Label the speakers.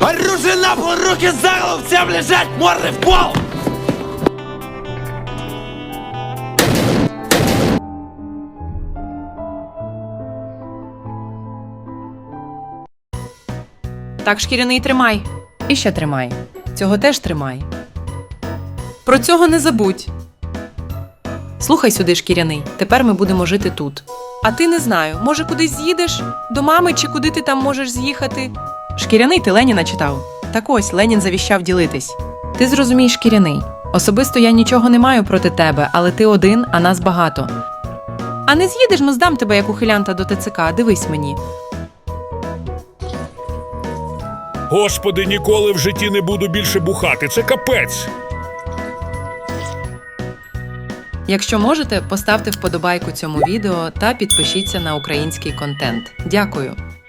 Speaker 1: Оружие на пол, руки за голову, всем лежать, морды в пол!
Speaker 2: Так, шкіряний, тримай.
Speaker 3: І ще тримай. Цього теж тримай.
Speaker 2: Про цього не забудь. Слухай сюди, шкіряний, тепер ми будемо жити тут. А ти не знаю, може кудись з'їдеш? До мами чи куди ти там можеш з'їхати? Шкіряний, ти Леніна читав? Так ось, Ленін завіщав ділитись.
Speaker 3: Ти зрозумій, шкіряний. Особисто я нічого не маю проти тебе, але ти один, а нас багато.
Speaker 2: А не з'їдеш, ну здам тебе як ухилянта до ТЦК, дивись мені.
Speaker 4: Господи, ніколи в житті не буду більше бухати. Це капець.
Speaker 3: Якщо можете, поставте вподобайку цьому відео та підпишіться на український контент. Дякую!